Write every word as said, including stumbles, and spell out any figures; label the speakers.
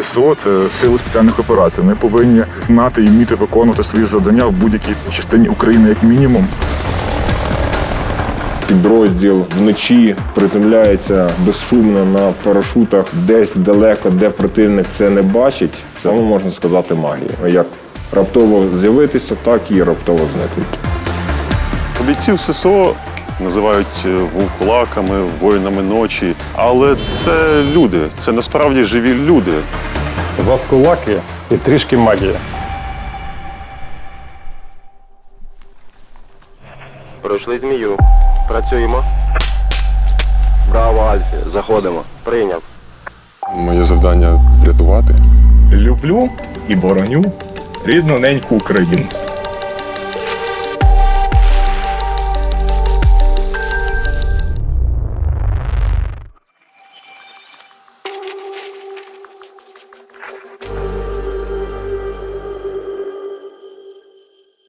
Speaker 1: ССО – це сили спеціальних операцій. Ми повинні знати і вміти виконувати свої завдання в будь-якій частині України як мінімум.
Speaker 2: Підрозділ вночі приземляється безшумно на парашутах десь далеко, де противник це не бачить. Це, можна сказати, магія. Як раптово з'явитися, так і раптово зникнути.
Speaker 3: Бійців ССО називають вовкулаками, воїнами ночі, але це люди, це насправді живі люди.
Speaker 4: Вовкулаки і трішки магія.
Speaker 5: Пройшли змію. Працюємо. Браво, Альфі. Заходимо. Прийняв.
Speaker 6: Моє завдання врятувати.
Speaker 1: Люблю і бороню рідну неньку Україну.